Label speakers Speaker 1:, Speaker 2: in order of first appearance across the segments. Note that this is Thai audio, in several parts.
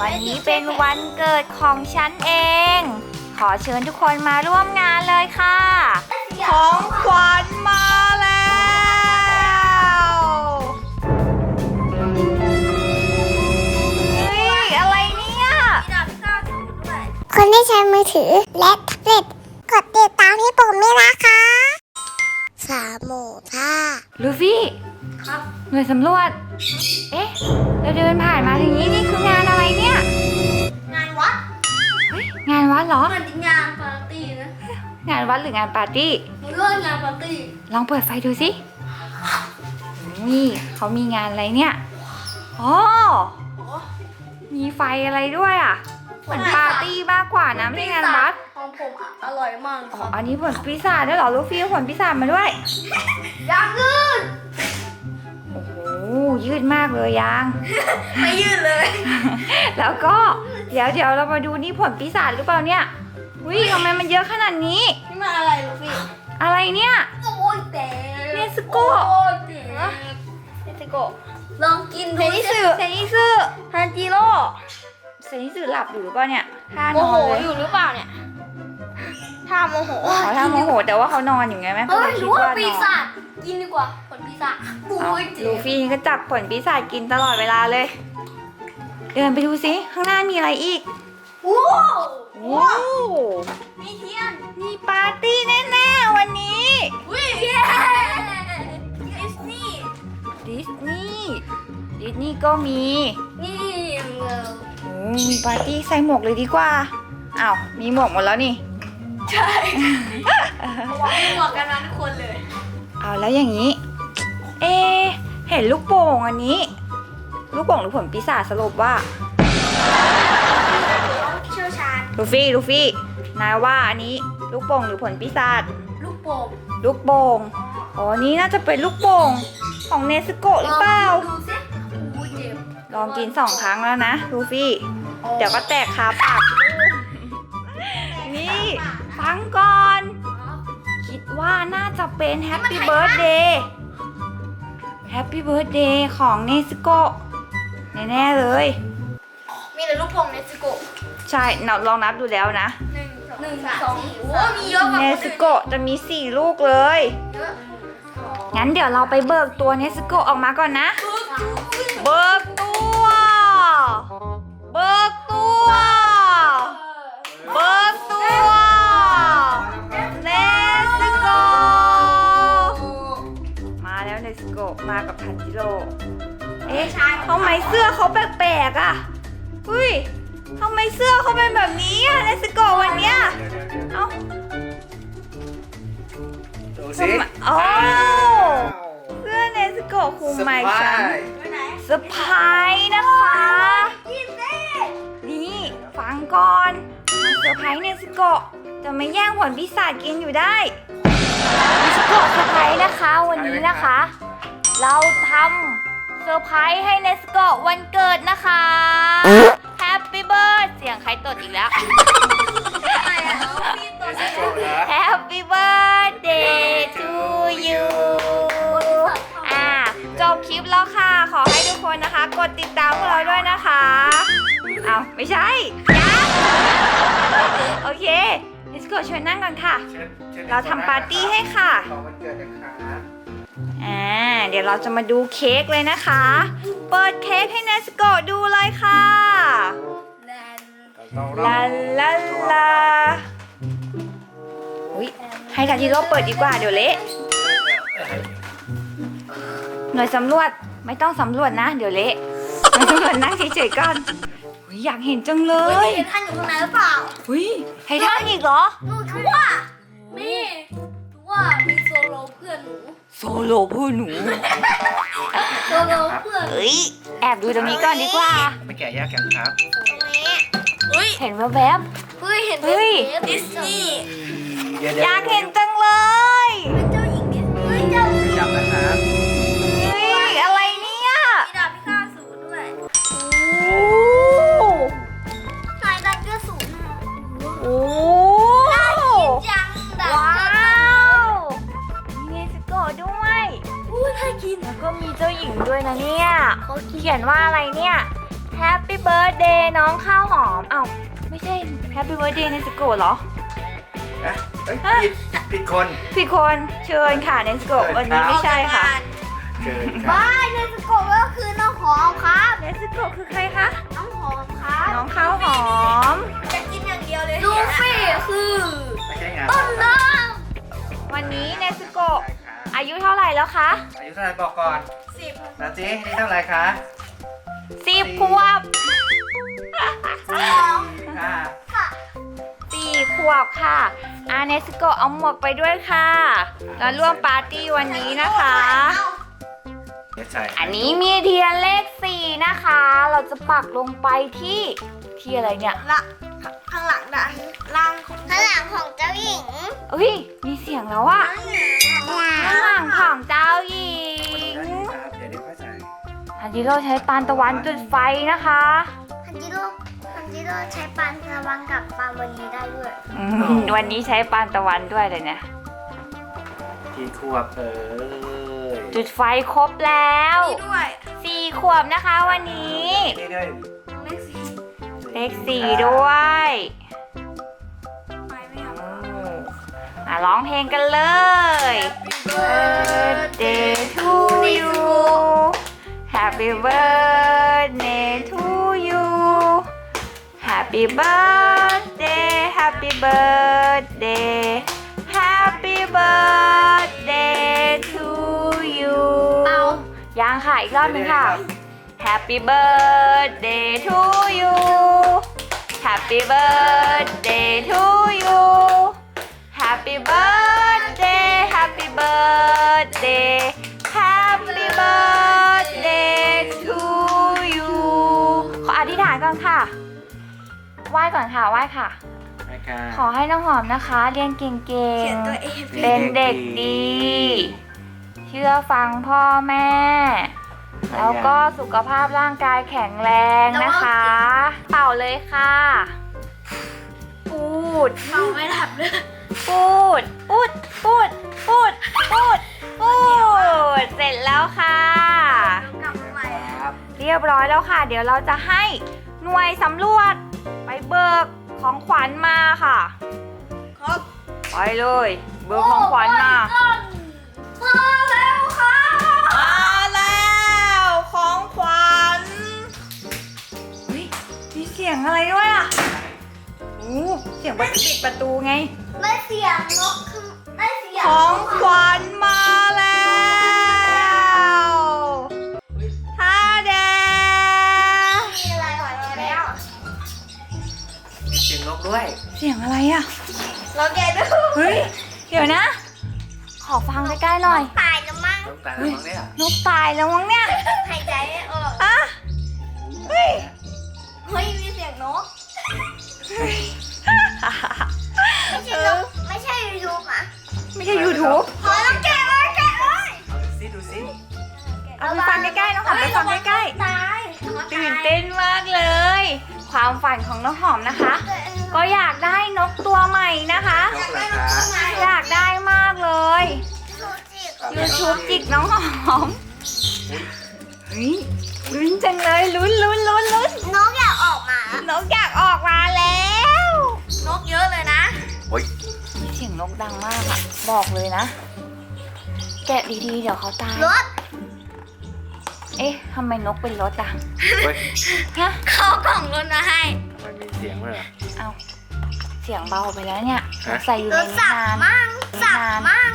Speaker 1: วันนี้เป็นวันเกิดของฉันเอง ขอเชิญทุกคนมาร่วมงานเลยค่ะของขวัญมาแล้วเฮ้ยอะไรเนี่ย
Speaker 2: คนที่ใช้มือถือและแท็บเล็ตกดติดตามที่ปุ่มนี้นะคะสามหมูท่า
Speaker 1: ลูฟี่
Speaker 3: ครับ
Speaker 1: หน่วยสำรวจเอ๊ะเราเดินผ่านมาอย่างนี้นี่คืองานอะไรเนี่ย
Speaker 3: งานวัด
Speaker 1: เฮ้ยงานวัดเหรอ
Speaker 3: มันงานปาร์ตี้นะ
Speaker 1: งานวัดหรืองานปาร์ตี้
Speaker 3: มันเลิกงานปาร์ตี้
Speaker 1: ลองเปิดไฟดูสินี่เขามีงานอะไรเนี่ยอ๋อมีไฟอะไรด้วยอ่ะเหมือนปาร์ตี้มากกว่านะไม่ใช่งานวัด
Speaker 3: ของผมอร่อยมากค
Speaker 1: อ๋อ
Speaker 3: รับ
Speaker 1: อันนี้ผลปีศาจด้วยเหรอลูฟี่ผลปีศาจมาด้วย
Speaker 3: ยางยืด
Speaker 1: โอ้โหยืดมากเลยยัง
Speaker 3: ไม่ยืดเลย
Speaker 1: แล้วก็เดี๋ยวเรามาดูนี่ผลปีศาจหรือเปล่าเนี่ยวิทำไมมันเยอะขนาดนี้
Speaker 3: นี่มาอะไรลูฟี่
Speaker 1: อะไรเนี่ย
Speaker 3: โอ้ยแต่
Speaker 1: เนสโกะ
Speaker 3: โอ้ยเจ๋งเนสโกะลองกินดู
Speaker 1: เซนิสึ
Speaker 3: ฮันจิโร่
Speaker 1: เซนิสึหลับอยู่หรือเปล่าเนี่ยท่า
Speaker 3: โม
Speaker 1: นอ
Speaker 3: โห
Speaker 1: นเลย
Speaker 3: อยู่หรือเปล่าเนี่ยถ้าโมโห
Speaker 1: อ๋อท่าโมโหแต่ว่าเขานอนอยู่ไงแม่
Speaker 3: เฮ้ย
Speaker 1: คิ
Speaker 3: รู้
Speaker 1: ด
Speaker 3: ว่า
Speaker 1: ว่าน
Speaker 3: ปี
Speaker 1: อน
Speaker 3: ศาจกินดีกว่าผลปีศาจโอ้ยเจ๋
Speaker 1: ลู
Speaker 3: ง
Speaker 1: ฟี่นี่ก็จับผลปีศาจกินตลอดเวลาเลย เดินไปดูสิข้างหน้ามีอะไรอีก
Speaker 3: ว้าว
Speaker 1: ว้าว
Speaker 3: มีเทียน
Speaker 1: มีปาร์ตี้แน่ๆวันนี้
Speaker 3: วิ่งเย้ดิสนีย์
Speaker 1: ดิสนีย์ก็มี
Speaker 3: นี่เงา
Speaker 1: โอ้มีปาร์ตี้ใส่หมวกเลยดีกว่าอ้าวมีหมวกหมดแล้วนี่
Speaker 3: ใช่วางหมวกกันนะทุกคนเลย
Speaker 1: เอาแล้วอย่างนี้ เอะเห็นลูกโป่งอันนี้ ลูกโป่งหรือผลปีศาจสรุปว่า
Speaker 3: เชี่ยวชาญ
Speaker 1: ลูฟี่นายว่าอันนี้ลูกโป่งหรือผลปีศาจ
Speaker 3: ลูกโป่ง
Speaker 1: ลูกโป่งอ๋อนี่น่าจะเป็นลูกโป่งของเนสโกะหรือเปล่า
Speaker 3: ดูสิโอ้ยเจ็บ
Speaker 1: ลองกิน2 ครั้งแล้วนะลูฟี่ เดี๋ยวก็แตกคาปาก นี่ ฟังก่อน คิดว่าน่าจะเป็นแฮปปี้เบิร์ a เดย์แฮปปี้เบิร์ a เดย์ของเนสโกะแน่ๆเลย
Speaker 3: มีแต่ลูกโป่งเนสโกะ
Speaker 1: ใช่เราลองนับดูแล้วนะ
Speaker 3: หนึ่งสองโอ้มีเยอะกว่า
Speaker 1: เน
Speaker 3: คน
Speaker 1: ส
Speaker 3: อื่น
Speaker 1: โกะจะมี 4 ลูกเลย
Speaker 3: เยอะ
Speaker 1: งั้นเดี๋ยวเราไปเบิกตัวเนสโกะออกมาก่อนนะ เบิกตัว เบิกตัว เบิกตัวเนสโกะมาแล้วเนสโกะมากับทันจิโร่เอ๊ะทำไมเสื้อเขาแปลกๆอ่ะอุ้ยทำไมเสื้อเขาเป็นแบบนี้อ่ะเนสโกะวันเนี้ยเอ้า
Speaker 4: ดูสิ
Speaker 1: โอ้เสื้อเนสโกะคุมไมค์ฉัน
Speaker 3: ไปไหน
Speaker 1: เซอร์ไพรส์นะคะ
Speaker 3: กินสิ
Speaker 1: นี่ฟังก่อนมาเซอร์ไพรส์เนสโกะจะไม่แย่งผลปีศาจกินอยู่ได้เนสโกะเซอร์ไพรส์นะคะวันนี้นะคะ เราทำเซอร์ไพรส์ให้เนสโกะวันเกิดนะคะแฮปปี้เบิร์ดเสียงใครตดอีกแล้ว
Speaker 3: ไปแล้วพี่ตัว
Speaker 4: เนสโกะเหรอ
Speaker 1: Happy birthday to you จบคลิปแล้วค่ะ ขอให้ทุกคนนะคะ กดติดตามพวกเราด้วยนะคะเอาไม่ใช่ยังโอเคนิสโกชวนนั่งก่อนค่ะ เราทำปาร์ตี้ให้ค่ะ
Speaker 4: ของวันเกิดนะครับ
Speaker 1: เดี๋ยวเราจะมาดูเค้กเลยนะคะ เปิดเค้กให้เนสโกดูเลยค่ะ ลาลาลาอุ๊ยให้ทันจิโร่เปิดดีกว่าเดี๋ยวเละหน่วยสำรวจไม่ต้องสำรวจนะ เดี๋ยวเละหน่วยสำรวจนั่งเฉยๆก่อนอุ๊ยอยากเห็นจังเล
Speaker 3: เฮ้
Speaker 1: ย
Speaker 3: ยเห็นท่านอยู่ข้างในหรือเปล่า
Speaker 1: อุ๊ยให้ท่านอีกเหรอ
Speaker 3: หนูคิดว่านี่ดูว่ามีโซโลเพื่อนหนู
Speaker 1: โซโลผู้หนู
Speaker 3: โซโลเพื่อน
Speaker 1: เอ้ยแอบดูตรงนี้ก่อนดีกว่า
Speaker 4: ไปแกะแยกกันครับ
Speaker 3: เฮ้ย
Speaker 1: เห็นแวบ
Speaker 3: เฮ้ยเห็น
Speaker 1: เฮ้ย
Speaker 3: ดิสนีย์
Speaker 1: ๆอยากเห็นจังเลย
Speaker 3: เป็นเจ้าหญิงดิสนีย์เฮ้ยเจ้าหญิง
Speaker 4: จับนะครับ
Speaker 1: เฮ้ยอะไรเนี่ย
Speaker 3: มีดาบพิฆาตศูนย์ด้วย
Speaker 1: โอ้
Speaker 3: นายดันก็ศูนย์
Speaker 1: โอ้
Speaker 3: จังดาบ
Speaker 1: ว้าวมีเนสโกะด้วย
Speaker 3: อู้น่ากิน
Speaker 1: แล้วก็มีเจ้าหญิงด้วยนะเนี่ย
Speaker 3: เขากิน
Speaker 1: เขียนว่าอะไรเนี่ย Happy Birthday น้องข้าวหอมเอ้าไม่ใช่ Happy Birthday เนสโกะเหรอ
Speaker 4: นะเอ้ยผิดคน
Speaker 1: พี่คนเชิญค่ะเนสโกะวันนี้ไม่ใช่ค่ะ
Speaker 4: เกินครับ
Speaker 3: บ้านเนสโกะก็คือน้องหอมครับ
Speaker 1: เนสโกะคือใครคะ
Speaker 3: น้องหอมครับ
Speaker 1: น้องข้าวหอม
Speaker 3: จะกินอย่างเดียวเลยลูฟี่คือ
Speaker 4: ไม่ใช่งาน
Speaker 3: ต้นน้
Speaker 1: วันนี้เนสโกะอายุเท่าไหร่แล้วคะ
Speaker 4: อายุเท่าไหร่บอกก่อน
Speaker 3: ำ10
Speaker 4: นะจีนี่เท่าไหร่คะ
Speaker 1: 10 ขวบ
Speaker 4: ค่ะ
Speaker 1: 4 ขวบค่ะเนสโกะเอาหมวกไปด้วยค่ะแล้วร่วมปาร์ตี้วันนี้นะคะ
Speaker 4: เดี๋ยวใช่
Speaker 1: อันนี้มีเทียนเลข 4 นะคะ เราจะปักลงไปที่อะไรเนี่ย
Speaker 3: ละข้างหลังด้านล่างของ
Speaker 2: ข้างหลังของเจ้าหญิง
Speaker 1: เอ้ย มีเสียงแล้วอะข้างหลังของเจ้าหญิง
Speaker 4: ครับเดี๋ยวค่อยใส่
Speaker 1: ฮันจิโร่ใช้ปานตะวันจุดไฟนะคะ
Speaker 2: ฮันจิโร่ใช้ปานระวังกับปานวันนี้ได้ด้วย
Speaker 1: วันนี้ใช้ปานตะวันด้วยเลยเนี่ย
Speaker 4: กี่ขวบย
Speaker 1: จุดไฟครบแล้ว
Speaker 3: นี่ด้วย
Speaker 1: 4 ขวบนะคะวันนี้
Speaker 4: นี่ด้วย
Speaker 3: เลขสี่
Speaker 1: เลข 4 ด้วย
Speaker 3: ไปไม่เอา
Speaker 1: ร้องเพลงกันเลย Birthday to you Happy birthday to you Happy birthday Happy birthday Happy birthday to you ยังค่ะ อีกรอบหนึงค่ะ Happy birthday to you Happy birthday to you Happy birthday Happy birthday Happy birthday to you ขออธิษฐานก่อนค่ะ ไหว้ก่อนค่ะ ไหว้ค่ะ
Speaker 4: ไปค่ะ
Speaker 1: ขอให้น้องหอมนะคะ เรียนเก่
Speaker 3: เขีย
Speaker 1: ง
Speaker 3: นตัวเอง
Speaker 1: ๆ เป็นเด็กดี เชื่อฟังพ่อแม่ แล้วก็สุขภาพร่างกายแข็งแรงนะคะ เป่าเลยค่ะ พูด
Speaker 3: เมาไม่หลับเลย
Speaker 1: พูด พูด พูด พูด พูด พูด เสร็จแล้วค่ะ
Speaker 3: กลับมาใหม่
Speaker 4: ครับ
Speaker 1: เรียบร้อยแล้วค่ะ เดี๋ยวเราจะให้หน่วยสำรวจไปเบิกของขวัญมาค่ะ
Speaker 3: ครับ
Speaker 1: ไปเลย เบิกของขวัญมา
Speaker 3: มาแล้วค่ะ
Speaker 1: มาแล้วของขวัญเฮ้ยมีเสียงอะไรด้วยอ่ะโอ้เสียงปิดประตูไง
Speaker 2: ไม่เสียงนกคือไม่เสียง
Speaker 1: ของขวัญมาแล้วท่าแดง
Speaker 2: มีอะไรหอยแล้ว
Speaker 4: มีเสียงนกด้วย
Speaker 1: เสียงอะไรอ่ะ
Speaker 3: เราแกดู
Speaker 1: เฮ้ย เดี๋ยวนะ ขอฟังใกล้ๆหน่อย
Speaker 2: ตายแล้วมั้ง
Speaker 4: นกตายแล้วมั้งเนี่ย
Speaker 1: นกตายแล้วมั้งเนี่ย
Speaker 2: หายใจไม่ออก
Speaker 1: อะ
Speaker 3: เฮ้ยมีเสียงนก
Speaker 2: ไม่ใช่ยูทูบอ่ะ
Speaker 1: ไม่ใช่ YouTube
Speaker 2: ขอต้องแกะเลยแกะเลย
Speaker 4: ดูสิ
Speaker 1: เอาไปฟังใกล้ๆน้องหอมไปฟังใกล้
Speaker 2: ตาย
Speaker 1: ๆตื่นเต้นมากเลย ความฝันของน้องหอมนะคะ ก็อยากได้นกตัวใหม่นะคะ
Speaker 4: นกเหรอคะ
Speaker 1: อยากได้มากเลย YouTube จิกน้องหอมเฮ้ยลุ้นจังเลยลุ้น
Speaker 2: นกอยากออกมา
Speaker 1: นกอยากออกมาแล้ว
Speaker 3: นกเยอะเลยนะ
Speaker 4: โอ้ย
Speaker 1: เสียงนกดังมากอะบอกเลยนะ แกะดีๆเดี๋ยวเขาตาย
Speaker 2: รถ
Speaker 1: เอ๊ะทำไมนกเป็นรถอะ
Speaker 4: เฮ้ย
Speaker 1: ฮะ
Speaker 3: เขากล่องรถมาให้
Speaker 4: มันมีเสียงด้วยเหรอ
Speaker 1: เอาเสียงเบาไปแล้วเนี่ย
Speaker 4: ฮะ
Speaker 1: ใส่อยู่
Speaker 2: ร
Speaker 1: ใน
Speaker 2: ถ
Speaker 1: นิ
Speaker 2: สับ
Speaker 1: ทาน
Speaker 2: มั่งสับมั่ง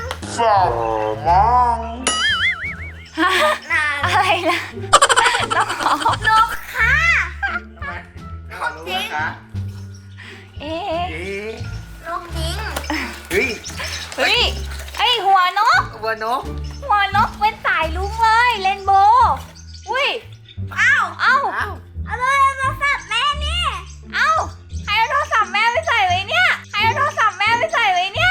Speaker 3: นาน
Speaker 1: อะไรนะน้องหอม
Speaker 2: นกค่ะ
Speaker 4: ทำไมไม่รู้นะคะ
Speaker 1: เอ๊ะ
Speaker 4: เอ๊ะ
Speaker 2: นกจริง
Speaker 4: เฮ้ย
Speaker 1: เฮ้ยไอหัวนก
Speaker 4: วัวนก
Speaker 1: หัวนกเป็นสายลุงเลยเรนโบว์อุ้ยอ้าว
Speaker 4: อ้าว
Speaker 2: เอาเลยมาสับแม่นี่
Speaker 1: เอ้าใครเอาโทรศัพท์แม่ไปใส่ไว้เนี่ยใครเอาโทรศัพท์แม่ไปใส่ไว้เนี่ย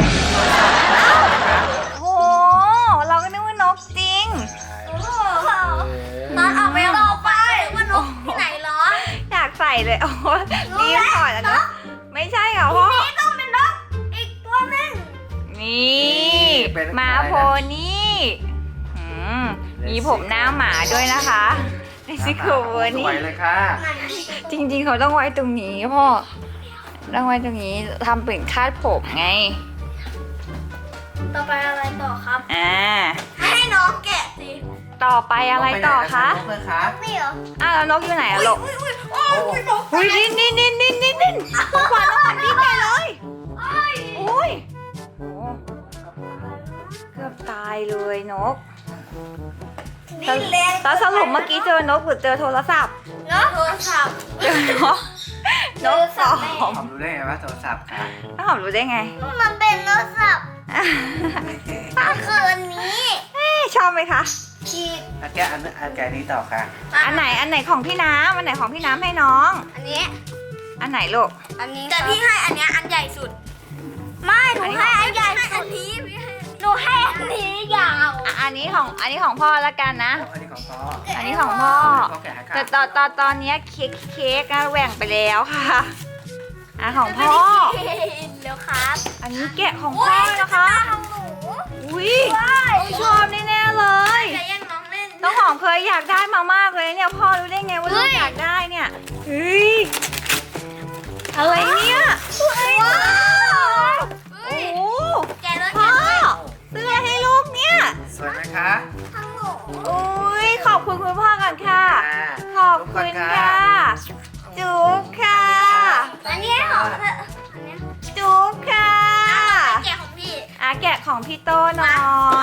Speaker 1: โอ้โหเราก็นึกว่านกจริง
Speaker 3: ตอนออกไปรอไปว่านกที่ไหนเหรอ
Speaker 1: อยากใส่เลยโอ้ยรีบถอดแล้วนะไม่ใช่เหรอพ่อ
Speaker 3: นี่ต้องเป็นนกอีกตัวหนึง
Speaker 1: นี่หมาโพนี่อืมมีผมหน้าหมาด้วยนะคะเนสโกะเวอร์
Speaker 4: ส
Speaker 1: นี่
Speaker 4: วยเลยค่ะ
Speaker 1: จริงๆเขาต้องไว้ตรงนี้พ่อต้องไว้ตรงนี้ทำเป็นคาดผมไง
Speaker 3: ต่อไปอะไรต่อครับ
Speaker 2: ให้น้องแกะสิ
Speaker 1: ต่อไปอะไรต่อคะ
Speaker 4: นกเลยคะ
Speaker 2: ไม่เหรอ
Speaker 1: แล้วนกอยู่ไหนอะลูก อุ้ยดิ้นขวานน้องขวัญดิ้นใหญ่เลยอุ้ยโอ้เกือบตายเลยนก
Speaker 2: นี่เล่น
Speaker 1: แล้วสรุปเมื่อกี้เจอนกหรือเจอโทรศัพท์
Speaker 2: เนาะโทรศัพท์
Speaker 1: เจอนกนกสอง
Speaker 4: หอมรู้ได้ไงว่าโทรศัพท์ค่ะ
Speaker 1: น้องหอมรู้ได้ไง
Speaker 2: มันเป็นโทรศัพท์คืนนี้
Speaker 1: ชอบไหมคะ
Speaker 2: ที่
Speaker 4: อันแกอันแกนี้ต่อค่ะ
Speaker 1: อันไหนของพี่น้ำอันไหนของพี่น้ำให้น้อง
Speaker 2: อันนี้
Speaker 1: อันไหนลูก
Speaker 2: อันนี้แต่พี่ให้อันเนี้ยอันใหญ่สุด ไม่หนูให้อันใหญ่สุดหนูให้อันนี้ยาว
Speaker 1: อันนี้ของพ่อละกันนะ
Speaker 4: อันนี้ของพ่อ
Speaker 1: อันนี้ของพ่อ
Speaker 4: พ่อแกะให้ค่ะ
Speaker 1: แต่ตอนเนี้ยเค้กอะแหว่งไปแล้วค่ะของพ่อ
Speaker 2: แล้วครับ
Speaker 1: อันนี้แกะของพ่อนะคะ
Speaker 2: ของหนู
Speaker 1: อุ้ยชอบแน่ๆเลย
Speaker 2: จะยังน้องเล่น
Speaker 1: น้องหอมเคยอยากได้มามากเลยเนี่ยพ่อรู้ได้ไงว่าลูกอยากได้เนี่ยเฮ้ยอะไรเนี่ยว้าวโอ้โห
Speaker 2: แกะเลย
Speaker 1: พ่อเสื้อให้ลูกเนี่ย
Speaker 4: สวยไหมคะ
Speaker 2: ทั้งหนู
Speaker 1: อุ้ยขอบคุณคุณพ่อกันค่ะ ขอบคุณค่ะ จุ๊บค่ะ
Speaker 2: อันนี้ของเธอ
Speaker 1: จุ๊บค่ะ
Speaker 2: แกะของพี่
Speaker 1: แกะของพี่โตหน่อย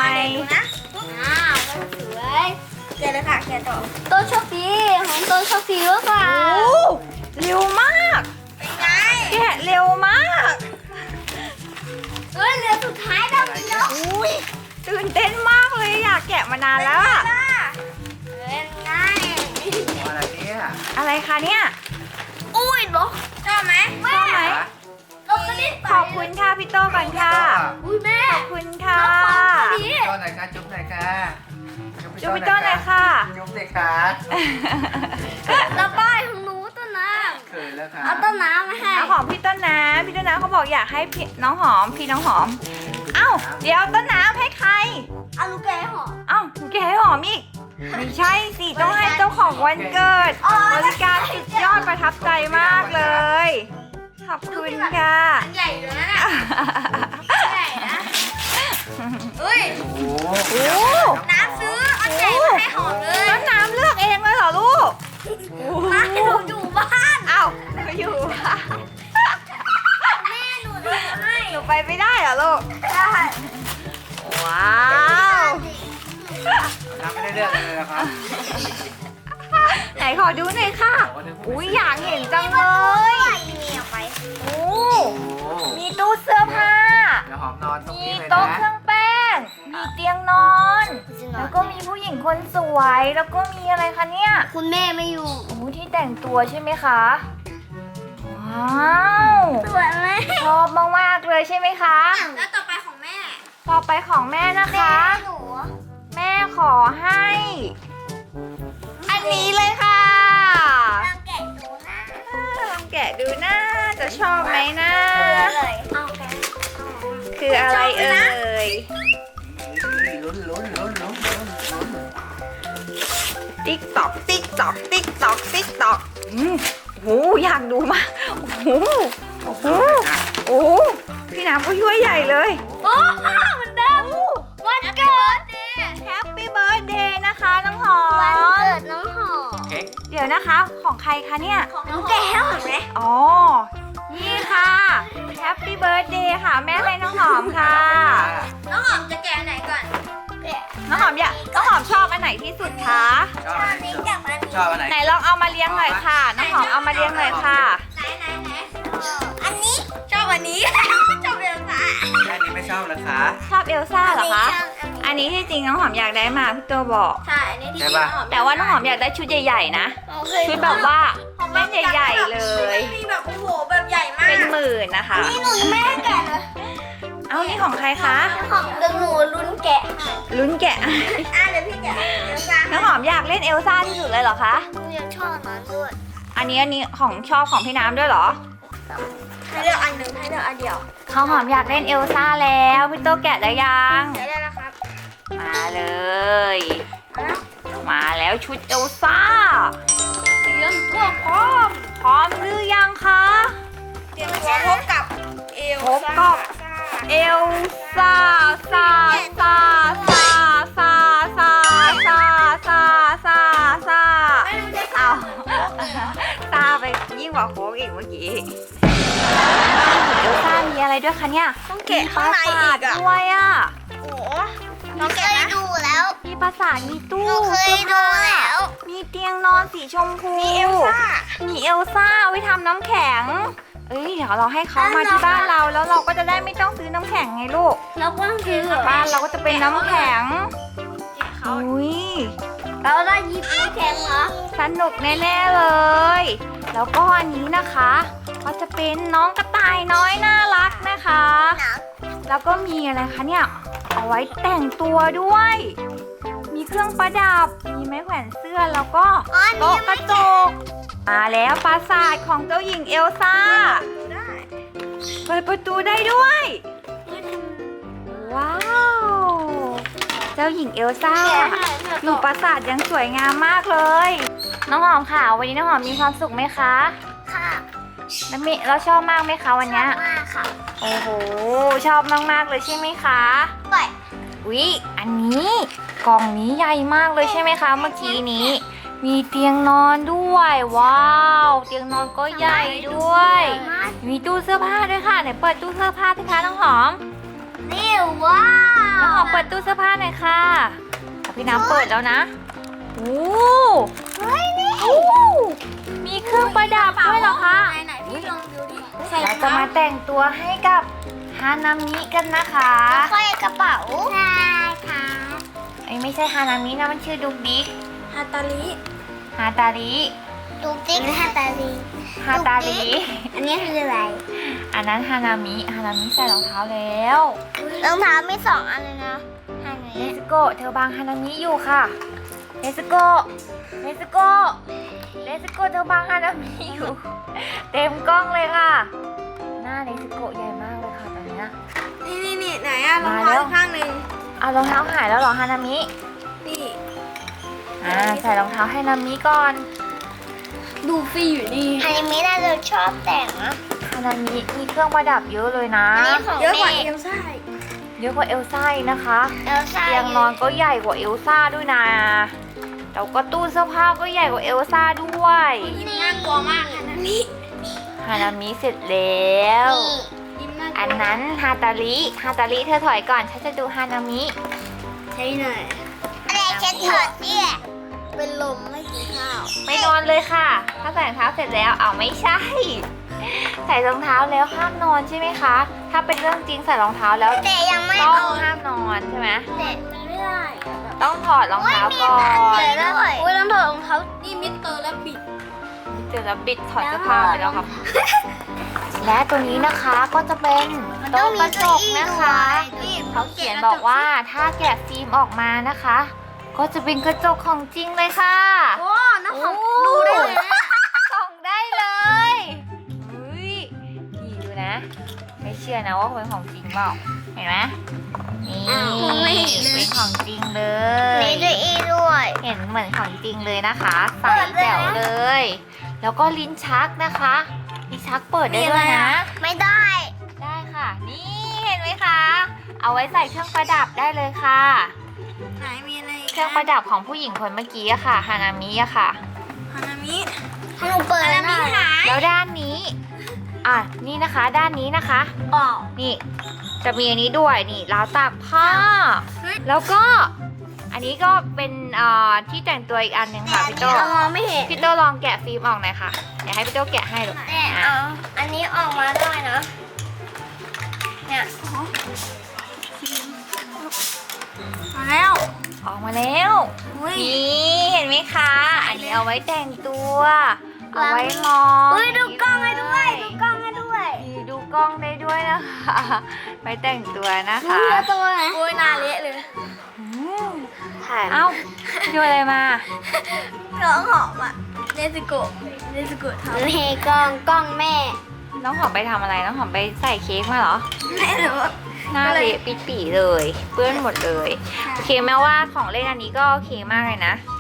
Speaker 2: ดูนะมันสวยแกะเลยค่ะแกะต่อต้นโชคดีของต้นโชคดีด้วยค่ะ
Speaker 1: โอ้เร็วมาก
Speaker 2: เป็นไง
Speaker 1: แกะเร็วมาก
Speaker 2: เฮ้ยเหลือสุดท้ายแล้วมีนก
Speaker 1: อุ้ยตื่นเต้นมากเลยอยากแกะมานานแล้วอะ
Speaker 2: เป็นไง
Speaker 4: อะไรเนี่ย
Speaker 1: อะไรคะเนี่ย
Speaker 2: อุ้ยนกชอบไหม
Speaker 1: ชอบไหม
Speaker 4: คะ
Speaker 2: นกกระดิ่ง
Speaker 1: ขอบคุณค่ะพี่โตกันค่ะ
Speaker 2: อุ้ยแม่
Speaker 1: ขอบคุณค่ะ
Speaker 2: นี่
Speaker 4: จุ๊บหน่อยค่ะจุ๊บหน่อยค่ะ
Speaker 1: จูพี่โตหน่อยค่ะ
Speaker 4: จุ๊บเลยค่ะ
Speaker 2: แล้วป้ายของหนูต้นน้
Speaker 4: เขินแล้วค่ะ
Speaker 2: ำเอาต้นน้ำมาให้
Speaker 1: เอาของพี่ต้นน้ำพี่ต้นน้ำเขาบอกอยากให้พี่น้องหอมพี่น้องหอม เอ้าเดี๋ยวต้นน้ำให้ใคร
Speaker 2: เอาลูกแก้วหอม
Speaker 1: เอ้าแกให้หอมอีกไม่ใช่สิต้องให้เจ้าของวันเกิดบริการสุดยอดประทับใจมากเลย ขอบคุณค่ะ
Speaker 2: อันใหญ่อยู่นะเนี่ยใหญ่นะเฮ้ย
Speaker 4: โอ้โห
Speaker 1: โอ้
Speaker 2: น้ำซื้ออันใหญ่มาให้หอมเลย
Speaker 1: ต้นน้ำเลือกเองเลยเหรอลูก
Speaker 2: มาให้หนูอยู่บ้าน
Speaker 1: เอ้าอยู่ค่ะ
Speaker 2: แม่หนูดูให้
Speaker 1: หนูไปไม่ได้เหรอลูก
Speaker 2: ได้
Speaker 1: ว้าว
Speaker 4: น้ำไม่ได้เลือกเลยนะครับ
Speaker 1: ไหนขอดูหน่อยค่ะ อุ้ยอยากเห็นจังเลย
Speaker 2: มีเอาไป
Speaker 1: โอ้
Speaker 4: โอ้โห
Speaker 1: มีตู้เสื้อผ้า
Speaker 4: เดี๋ยวหอมนอนตรง
Speaker 1: มี
Speaker 4: นี้เลย
Speaker 1: โต๊ะ
Speaker 4: นะ
Speaker 1: เครื่องแป้ง มีเตียงนอน แล้วก็มีผู้หญิงคนสวย แล้วก็มีอะไรคะเนี่ย
Speaker 2: คุณแม่ไม่อยู่
Speaker 1: โอ้ที่แต่งตัวใช่ไหมคะ ว้าว
Speaker 2: สวยไหม
Speaker 1: ชอบมากๆเลยใช่ไหมคะ
Speaker 2: แล้วต่อไปของแม่
Speaker 1: ต่อไปของแม่นะคะ
Speaker 2: หนู
Speaker 1: แม่ขอให้ อันนี้เลยค่ะ
Speaker 2: ลองแกะดูนะ
Speaker 1: ลองแกะดูนะจะชอบไหมนะ
Speaker 2: เลยเอาแกะ
Speaker 1: คืออะไรเอ่ย
Speaker 4: ลุ้น
Speaker 1: ติ๊กตอกติ๊กตอกติ๊กตอกติ๊กตอกโอ้โหอยากดูมากโอ้โห
Speaker 4: โอ้โห
Speaker 1: โอ้โหพี่น้ำก็ช่วยใหญ่เลย
Speaker 2: โอ้เหมือนเดิมวันเกิดดิ
Speaker 1: แฮปปี้เบิร์ดเดย์นะคะน้องหอ
Speaker 2: วัน
Speaker 1: ม
Speaker 2: เกิดน้องหอม
Speaker 4: เค้ก
Speaker 1: เดี๋ยวนะคะของใครคะเนี่ย
Speaker 2: ของน้องแก้วเห็นไหม
Speaker 1: อ๋อ นี่ค่ะแฮปปี้เบิร์ดเดย์ค่ะ แม่ให้น้องหอมค่ะ
Speaker 2: น้องหอมจะแกะไหนก่อนแกะ
Speaker 1: น้องหอมชอบอันไหนที่สุดคะ
Speaker 4: ชอบอันไหน
Speaker 2: นี้กับอันนี้
Speaker 4: ชอบอันไหน
Speaker 1: ไหนลองเอามาเลี้ยงหน่อยค่ะ น้องหอมเอามาเลี้ยงหน่อยค่ะ
Speaker 2: ไหนอันนี้ชอบอันนี้ ชอบเรื่องค่ะ
Speaker 4: แค่นี้ไม่ชอบเหรอคะ
Speaker 1: ชอบเอลซ่าเหรอคะ อันนี้ที่จริงน้องหอมอยากได้มาพี่ตัวบอก
Speaker 2: ใช่อันนี้ที่
Speaker 4: ใช่ปะ
Speaker 1: แต่ว่าน้องหอมอยากได้ชุดใหญ่ๆนะ ชุดแบบว่าเล่นใหญ่ๆเลย
Speaker 2: มีแบบโอ้โหแบบใหญ่มาก
Speaker 1: เป็นหมื่นนะคะ
Speaker 2: นี่หนูแม่แกะเลย
Speaker 1: เอานี่ของใครคะ
Speaker 2: ของเดี๋ยวหนูลุ้นแกะ
Speaker 1: ลุ้นแกะ
Speaker 2: เดี๋ยวพี่แกะเดี๋ยวจ้า
Speaker 1: น้องหอมอยากเล่นเอลซ่าที่สุดเลยเหรอคะ
Speaker 2: หนูยังชอบนั้นด้วย
Speaker 1: อันนี้ของชอบของพี่น้ำด้วยเหรอ
Speaker 2: ให้เลือกอันหนึ่งให้เลือกอันเดียว
Speaker 1: ข้าวหอมอยากเล่นเอลซ่าแล้วพี่โตแกะได้ยัง
Speaker 2: แกะได้แล้วครับ
Speaker 1: มาเลย
Speaker 2: มาแล้ว
Speaker 1: มมาแล้วชุดเอลซ่า
Speaker 3: เตรียมตัวพร้อม
Speaker 1: พร้อมหรือยังคะ
Speaker 3: เตรียมตัวพบกับเอล
Speaker 1: พบกับเอลซ่าซาซาซาซาซาซาซาซาซาเอาซาไปยิ่งกว่าโค้กอีกเมื่อกี้เอลซ่ามีอะไรด้วยคะเนี่ย
Speaker 3: ต้องแกะข้างในอีกอ่ะ
Speaker 1: ด้วยอ่ะ
Speaker 3: โอ้โห
Speaker 2: หนูเคยดูแล้ว
Speaker 1: มีปราสาทมีตู้
Speaker 2: หนูเคยดูแล้ว
Speaker 1: มีเตียงนอนสีชมพู
Speaker 3: มีเอลซ่า
Speaker 1: มีเอลซ่าเอาไว้ทำน้ำแข็ง เอ้ยเดี๋ยวเราให้เขามาที่บ้านเราแล้วเราก็จะได้ไม่ต้องซื้อน้ำแข็งไงลูก
Speaker 3: แล้วก็คือ
Speaker 1: บ้านเราก็จะเป็นน้ำแข็ง
Speaker 3: เขา
Speaker 1: อุ้ย
Speaker 3: เราได้หยิบน้ำแข็งเหรอ
Speaker 1: สนุกแน่ๆเลย แล้วก็อันนี้นะคะ ก็จะเป็นน้องกระต่ายน้อยน่ารักนะคะ แล้วก็มีอะไรคะเนี่ย เอาไว้แต่งตัวด้วย มีเครื่องประดับ มีไม้แขวนเสื้อแล้วก็
Speaker 2: อ๋อนี่
Speaker 1: โต๊ะกระจก มาแล้วปราสาทของเจ้าหญิงเอลซ่า
Speaker 3: ได้
Speaker 1: เปิดประตูได้ด้วย ว้าว เจ้าหญิงเอลซ่า อยู่ปราสาทยังสวยงามมากเลย น้องหอมค่ะ วันนี้น้องหอมมีความสุขไหมคะ
Speaker 2: ค่ะ
Speaker 1: แล้วมีเราชอบมากไหมคะวันเนี้ย
Speaker 2: มากค่ะ
Speaker 1: โอ้โห ชอบมากๆเลยใช่ไหมคะ
Speaker 2: ปล่อย
Speaker 1: อุ๊ย อันนี้กล่องนี้ใหญ่มากเลยใช่ไหมคะ เมื่อกี้นี้ มีเตียงนอนด้วย ว้าว เตียงนอนก็ใหญ่ด้วย มีตู้เสื้อผ้าด้วยค่ะ ไหนเปิดตู้เสื้อผ้าสิคะน้องหอม
Speaker 2: นี่ว้า
Speaker 1: น้อง
Speaker 2: ว
Speaker 1: หอมเปิดตู้เสื้อผ้าหน่อยค่ะพี่น้ำเปิดแล้วนะ โอ้
Speaker 2: เฮ้ยนี่
Speaker 1: โอ้มีเครื่องประดับด้วยเหรอคะ
Speaker 3: ไหนๆพี่ลองดูดิ
Speaker 1: เราจะมาแต่งตัวให้กับฮานามิกันนะคะ
Speaker 2: ค่อยกระเป๋าใช่ค่ะ
Speaker 1: ไม่ใช่ฮานามินะมันชื่อดุกดิก
Speaker 3: ฮาตาลิ
Speaker 1: ฮาตาริ
Speaker 2: ดูจิ๊กฮาตาลี
Speaker 1: ฮาตาริ
Speaker 2: อันนี้คืออะไร
Speaker 1: อันนั้นฮานามิใส่รองเท้าแล้ว
Speaker 2: รองเท้ามี2 อันเลยนะอัน
Speaker 1: เน
Speaker 2: นี้
Speaker 1: สโกะเธอบังฮานามิอยู่ค่ะเนสโกะเนสโกะเนสโกะเธอบังฮานามิอยู่ เต็มกล้องเลยค่ะ หน้าเนสโกะใหญ่มากเลยค่ะตอนเนี้ย
Speaker 3: นี่ไหนอะรอง
Speaker 1: มาแล้
Speaker 3: เท้าว ข้างหนึ่ง
Speaker 1: เอารองเท้าหายแล้วเหรอฮานามิ
Speaker 3: นี่
Speaker 1: ใส่รองเท้าให้นามิก่อน
Speaker 3: ดูฟรีอยู่นี่
Speaker 2: อันนี้น่าจะชอบแต่งนะ
Speaker 1: ฮานามิมีเครื่องประดับเยอะเลยนะ
Speaker 2: อันนี้ของ
Speaker 3: เยอะกว่า
Speaker 2: แม่
Speaker 3: เอลซ่า
Speaker 1: เยอะกว่าเอลซ่าอีกนะคะ
Speaker 2: เอลซ่า
Speaker 1: เตียงนอนก็ใหญ่กว่าเอลซ่าด้วยนะแล้วก็ตู้เสื้อผ้าก็ใหญ่กว่าเอลซ่าด้วย
Speaker 3: ยิ้มน่ากลัวมากอันนั้นนี่
Speaker 1: ฮานามิเสร็จแล้ว
Speaker 2: นี่
Speaker 3: ยิ้มน่ากลัว
Speaker 1: อันนั้นฮาตาริเธอถอยก่อนฉันจะดูฮานามิ
Speaker 3: ใช่หน่อย
Speaker 2: อะไรเช็ดเถิดเนี่ย
Speaker 3: เป็นลมไม่กินข้าว
Speaker 1: ไม่นอนเลยค่ะ ถ้าใส่รองเท้าเสร็จแล้วเอาไม่ใช่ ใส่รองเท้าแล้วห้ามนอนใช่ไหมคะ ถ้าเป็นเรื่องจริงใส่รองเท้าแล้ว
Speaker 2: แต่ยังไม่
Speaker 1: ต้อ
Speaker 2: เอา
Speaker 1: งห้ามนอนใช่ไหม
Speaker 2: แต่
Speaker 3: มันไม่ได้อะแบบ
Speaker 1: ต้องถอดรองเท้าก่อน
Speaker 2: แต่ด้วย
Speaker 3: โอ้ยต้องถอดรองเท้านี่มิสเตอร์และบิด
Speaker 1: เจอแล้วบิดถอดเสื้อผ้าไปแล้วครับ และตัวนี้นะคะก็จะเป็นโต๊ะกระจกนะคะ เขาเขียนบอกว่าถ้าแกะฟิล์มออกมานะคะ ก็จะเป็นกระจกของจริงเลยค่ะ
Speaker 3: โอ้น้องของดูได้เลยนะ
Speaker 1: ส่องได้เลยอุ้ยดีดูนะ ไม่เชื่อนะว่าเป็นของจริงเปล่าเห็นไหมนี่
Speaker 3: ไม่เห็นเลย
Speaker 1: เป็นของจริงเลย
Speaker 2: มีด้วยอีด้วย
Speaker 1: เห็นเหมือนของจริงเลยนะคะใสแจ๋วเลย แล้วก็ลิ้นชักนะคะลิ้นชักเปิดได้ด้วยนะ
Speaker 2: ไม่ได้
Speaker 1: ได้ค่ะ นี่เห็นไหมคะ เอาไว้ใส่เครื่องประดับได้เลยค่ะ
Speaker 3: ไหนมีอะไรอีก
Speaker 1: เครื่องประดับของผู้หญิงคนเมื่อกี้อะค่ะฮานามิอะค่ะ
Speaker 3: ฮานามิ
Speaker 2: ให้หนูเปิดหน่อย
Speaker 1: แล้วด้านนี้ นี่นะคะด้านนี้นะคะ
Speaker 3: ออก
Speaker 1: นี่จะมีอันนี้ด้วยนี่ราวตากผ้า แล้วก็อันนี้ก็เป็นที่แต่งตัวอีกอันหนึ่งค่ะพี่โต
Speaker 3: เรามองไม่เห็น
Speaker 1: พี่โตลองแกะฟิล์มออกหน่อยค่ะเดี๋ยวให้พี่โตแกะให้ลูก
Speaker 2: แต่เอาอันนี้ออกมาได้นะเนี่ย
Speaker 3: มาแล้ว
Speaker 1: ออกมาแล้ว
Speaker 3: อุ้ย
Speaker 1: นี่เห็นไหมคะ อันนี้เอาไว้แต่งตัว เอาไว้มอง
Speaker 2: อุ้ยดูกล้องให้ด้วยดูกล้องให้ด้วย
Speaker 1: นี่ดูกล้องได้ด้วยนะคะ ไว้แต่งตัวนะคะ
Speaker 2: ตัวไหน
Speaker 3: โอ้ยหนาเละเลย
Speaker 1: อืมเอ้าดูอะไรมา
Speaker 3: น้องหอมอ่ะเนสโกะทำ
Speaker 2: เฮกล้องแม่
Speaker 1: น้องหอมไปทำอะไร น้องหอมไปใส่เค้กมาเหรอ
Speaker 3: ไม่รู้
Speaker 1: หน้าเละปิดๆเลย เปื้อนหมดเลย โอเคแม้ว่าของเล่นอันนี้ก็โอเคมากเลยนะ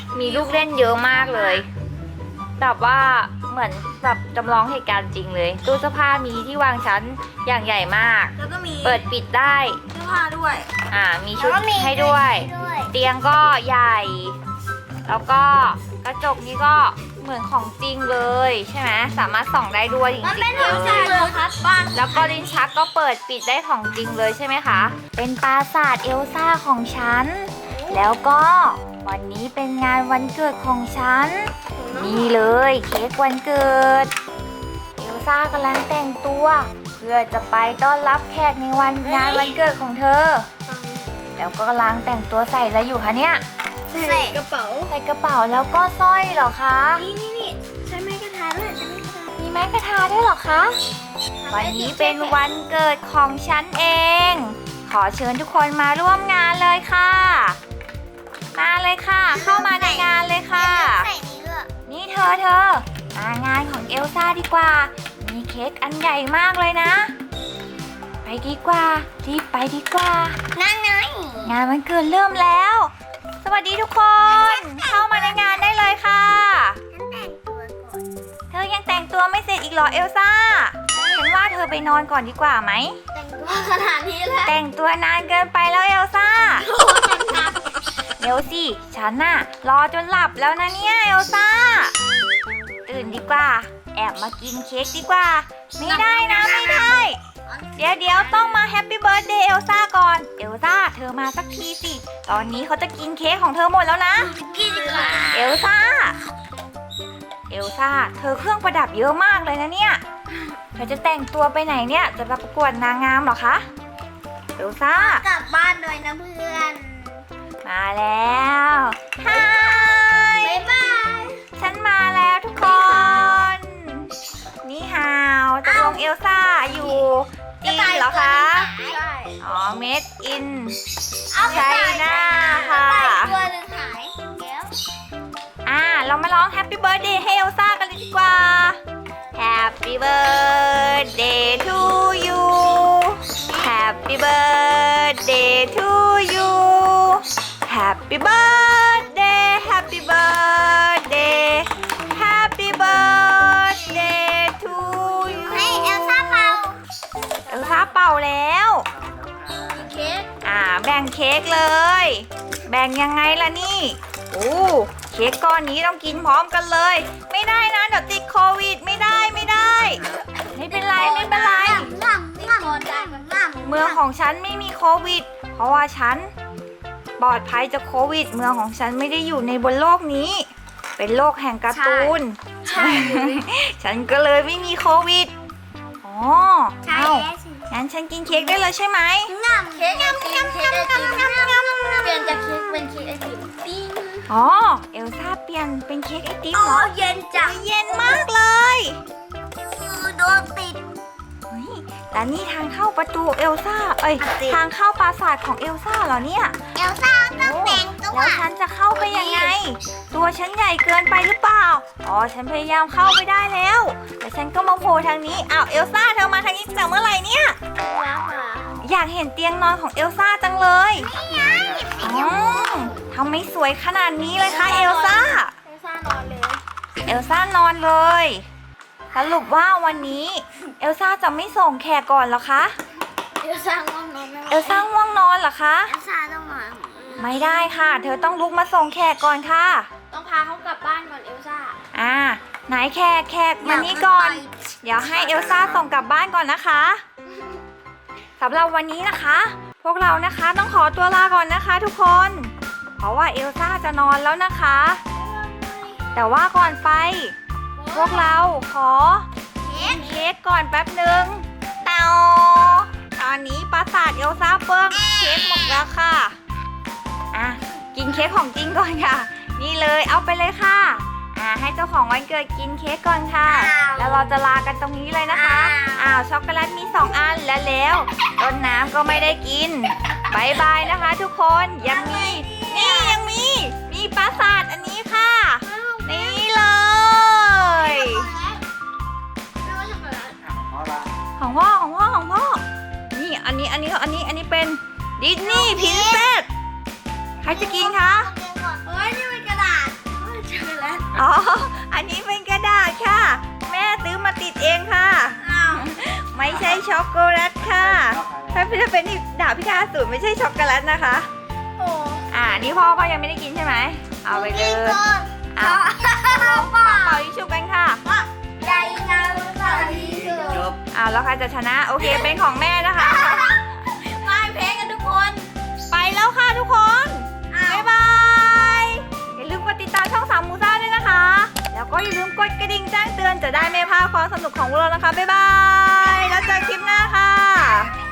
Speaker 1: มีลูกเล่นเยอะมากเลยแบบว่าเหมือนแบบจำลองเหตุการณ์จริงเลยตู้เสื้อผ้ามีที่วางชั้นอย่างใหญ่มาก
Speaker 3: แล้วก็มี
Speaker 1: เปิดปิดได้
Speaker 3: เสื้อผ้าด้วย
Speaker 1: มีชุดให้ด้วย เตียงก็ใหญ่ แล้วก็กระจกนี่ก็เหมือนของจริงเลยใช่ไหมสามารถส่องได้ด้วยจริง
Speaker 3: มันเป็น
Speaker 1: ๆ
Speaker 3: ข
Speaker 1: เล
Speaker 3: องจริง
Speaker 1: ย
Speaker 3: เลยครับบ้าน
Speaker 1: แล้วก็ลิ้นชักก็เปิดปิดได้ของจริงเลยใช่ไหมคะ เป็นปราสาทเอลซ่าของฉัน แล้วก็วันนี้เป็นงานวันเกิดของฉัน นี่เลยเค้กวันเกิด เอลซ่ากำลังแต่งตัว เพื่อจะไปต้อนรับแขกในวันงานวันเกิดของเธอ แล้วก็กำลังแต่งตัวใส่อะไรอยู่คะเนี่ย
Speaker 3: ใส่กระเป๋า
Speaker 1: ใส่กระเป๋าแล้วก็สร้อยเหรอคะ
Speaker 3: นี่ใช้ไม้กระทาด้วยใช้ไม้กระทา
Speaker 1: มีไม้กระทาด้วยเหรอคะ วันนี้เป็นวันเกิดของฉันเอง ขอเชิญทุกคนมาร่วมงานเลยค่ะ มาเลยค่ะ เข้ามาในงานเลยค่ะ
Speaker 2: ใส่นี้ด้วย
Speaker 1: นี่เธอ มางานของเอลซ่าดีกว่า มีเค้กอันใหญ่มากเลยนะ ไปดีกว่ารีบไปดีกว่า
Speaker 2: นั่นไง
Speaker 1: งานวันเกิดเริ่มแล้ว สวัสดีทุกคน เข้ามาในงานได้เลยค่ะ
Speaker 2: ฉันแต่งตัวก่อน
Speaker 1: เธอยังแต่งตัวไม่เสร็จอีกเหรอเอลซ่า ฉันว่าเธอไปนอนก่อนดีกว่าไหม
Speaker 3: แต่งตัวขนาดนี้แล้ว
Speaker 1: แต่งตัวนานเกินไปแล้วเอลซ่า เร็วสิ ฉันน่ะรอจนหลับแล้วนะเนี่ยเอลซ่า ตื่นดีกว่า แอบมากินเค้กดีกว่า ไม่ได้นะไม่ได้ เดี๋ยวต้องมาแฮปปี้เบิร์ดเดย์เอลซ่าก่อน เอลซ่าเธอมาสักทีสิ ตอนนี้เขาจะกินเค้กของเธอหมดแล้วนะ
Speaker 3: กินดีกว่า
Speaker 1: เอลซ่า เธอเครื่องประดับเยอะมากเลยนะเนี่ย เธอจะแต่งตัวไปไหนเนี่ย จะมาประกวดนางงามเหรอคะ เอลซ่า
Speaker 3: กลับบ้านด้วยนะเพื่อน
Speaker 1: มาแล้วฮาย
Speaker 3: บ๊ายบาย
Speaker 1: ฉันมาแล้วทุกคน นี่ฮาวตกลงเอลซ่าอยู่จีนเหรอคะ
Speaker 3: ใช่
Speaker 1: อ๋อ เมดอิน
Speaker 3: เอา
Speaker 1: ใช่น่าค่ะ
Speaker 3: ตัวหนึ่งหายแล้ว
Speaker 1: เรามาร้อง Happy Birthday ให้เอลซ่ากันเลยดีกว่า Happy Birthday to you Happy Birthday to you Happy Birthday Happy Birthday Happy Birthday to you
Speaker 2: ให้เอลซ่าเป่า
Speaker 1: เอลซ่าเป่าแล้ว
Speaker 3: เค้ก
Speaker 1: แบ่งเค้กเลย แบ่งยังไงล่ะนี่ โอ้เค้กก้อนนี้ต้องกินพร้อมกันเลย ไม่ได้นะเดี๋ยวติดโควิดไม่ได้ ไม่เป็นไร
Speaker 3: ง่ำง่ำได้มันง่ำ
Speaker 1: เมืองของฉันไม่มีโควิด เพราะว่าฉันปลอดภัยจากโควิด เมืองของฉันไม่ได้อยู่ในบนโลกนี้ เป็นโลกแห่งการ์ตูน
Speaker 3: ใช่
Speaker 1: ฉันก็เลยไม่มีโควิด อ๋อ
Speaker 2: ใช่
Speaker 1: เอ้า
Speaker 2: แล้วสิ
Speaker 1: งั้นฉันกินเค้กได้เลยใช่ไหม
Speaker 3: ง่ำเค้กไอติมเค้กไอติมเปลี่ยนจากเค้กเป็นเค้กไอติมปิ้ง
Speaker 1: อ๋อ เอลซ่าเปลี่ยนเป็นเค้กไอติมเหรอ
Speaker 3: เย็นจัง
Speaker 1: เย็นมากเลย
Speaker 3: โดนติด
Speaker 1: เฮ้ยแต่นี่ทางเข้าประตูเอลซ่า ทางเข้าปราสาทของเอลซ่าเหรอเนี่ย
Speaker 2: เอลซ่าต้องแต่งตัว
Speaker 1: แล้วฉันจะเข้าไปยังไง ตัวฉันใหญ่เกินไปหรือเปล่า อ๋อ ฉันพยายามเข้าไปได้แล้ว แต่ฉันก็มาโผล่ทางนี้ อ้าว เอลซ่าเธอมาทางนี้ตั้งแต่เมื่อไหร่เนี่ย อยากเห็นเตียงนอนของเอลซ่าจังเลยอ๋อทำไมสวยขนาดนี้เลยคะเอลซ่า
Speaker 3: เอลซ่านอนเลย
Speaker 1: เอลซ่านอนเลย สรุปว่าวันนี้เอลซ่าจะไม่ส่งแขกก่อนเหรอคะ
Speaker 3: เอลซ่าง่วงนอนไม่ไหว
Speaker 1: เอลซ่าง่วงนอนเหรอคะ
Speaker 2: เอลซ่าต้องมา
Speaker 1: ไม่ได้ค่ะ เธอต้องลุกมาส่งแขกก่อนค่ะ
Speaker 3: ต้องพาเขากลับบ้านก่อนเอลซ่า
Speaker 1: ไหนแขกมานี่ก่อน เดี๋ยวให้เอลซ่าส่งกลับบ้านก่อนนะคะสำหรับวันนี้นะคะ พวกเรานะคะต้องขอตัวลาก่อนนะคะทุกคน เพราะว่าเอลซ่าจะนอนแล้วนะคะ แต่ว่าก่อนไป พวกเราขอกินเค้กก่อนแป๊บหนึ่งเตาตอนนี้ปราสาทเอลซ่าเปิ้งเค้กหมดแล้วค่ะกินเค้กของจริงก่อนค่ะ นี่เลยเอาไปเลยค่ะให้เจ้าของวันเกิดกินเค้กก่อนค่ะ แล้วเราจะลากันตรงนี้เลยนะคะช็อกโกแลตมี2อันแล้วต้นน้ำก็ไม่ได้กินบายบายนะคะทุกคนยังมีปราสาทอันนี้ค่ะ นี่เลย ของพ่อนี่อันนี้เป็นดิสนีย์พรินเซสใครจะกินคะ
Speaker 3: เฮ้ยนี่มันกระดาษ
Speaker 1: อ๋อ อันนี้เป็นกระดาษค่ะ แม่ซื้อมาติดเองค่ะ
Speaker 3: อ้าว
Speaker 1: ไม่ใช่ช็อกโกแลตค่ะ ถ้าเป็นดาบพิฆาตอสูรไม่ใช่ช็อกโกแลตนะคะ
Speaker 3: โอ้
Speaker 1: นี่พ่อยังไม่ได้กินใช่ไหม เอาไปเลย
Speaker 3: ก่อน
Speaker 1: เอา
Speaker 3: ป้า
Speaker 1: เป่ายิงฉุบกันค่ะ
Speaker 3: ใหญ่ยาวสวัสดีสุด
Speaker 4: จุ๊บ
Speaker 1: แล้วใครจะชนะ โอเค เป็นของแม่นะคะ
Speaker 3: ไม่แพ้กันทุกคน
Speaker 1: ไปแล้วค่ะทุกคน
Speaker 3: อ้าว
Speaker 1: บ๊ายบาย อย่าลืมกดติดตามช่อง3มูซ่าด้วยนะคะ แล้วก็อย่าลืมกดกระดิ่งแจ้งเตือนจะได้ไม่พลาดความสนุกของพวกเรานะคะ บ๊ายบาย แล้วเจอคลิปหน้าค่ะ